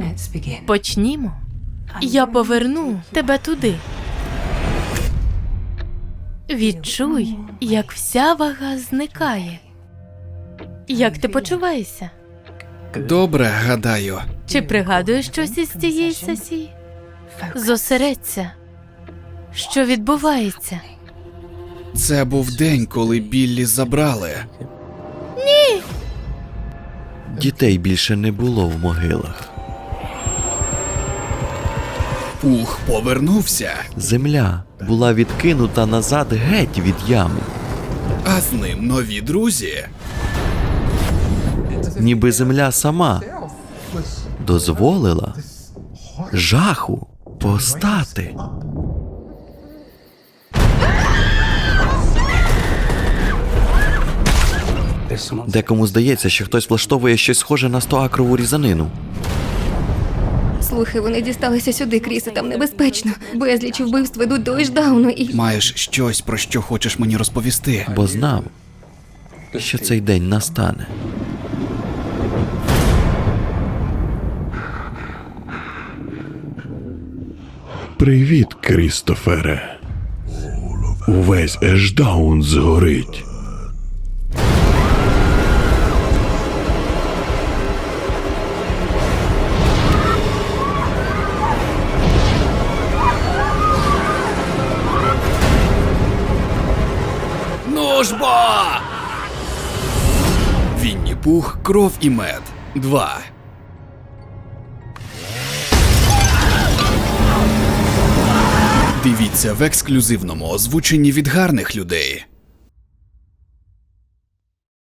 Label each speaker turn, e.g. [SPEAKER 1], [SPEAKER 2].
[SPEAKER 1] Почнімо. Я поверну тебе туди. Відчуй, як вся вага зникає. Як ти почуваєшся?
[SPEAKER 2] Добре, гадаю.
[SPEAKER 1] Чи пригадуєш щось із цієї сесії? Зосередься. Що відбувається?
[SPEAKER 2] Це був день, коли Біллі забрали.
[SPEAKER 3] Дітей більше не було в могилах.
[SPEAKER 2] Пух повернувся,
[SPEAKER 3] Земля була відкинута назад геть від ями.
[SPEAKER 2] а з ним нові друзі.
[SPEAKER 3] Ніби земля сама дозволила жаху постати. Декому здається, що хтось влаштовує щось схоже на 100-акрову різанину.
[SPEAKER 4] Слухай, вони дісталися сюди, Крісе, там небезпечно. Безліч вбивств ведуть до Ешдауну і...
[SPEAKER 2] Маєш щось, про що хочеш мені розповісти.
[SPEAKER 3] Бо знав, що цей день настане.
[SPEAKER 5] Привіт, Крістофере. Увесь Ешдаун згорить.
[SPEAKER 2] Ну ж бо! Вінні-Пух, кров і мед. 2. Дивіться в ексклюзивному озвученні від гарних людей.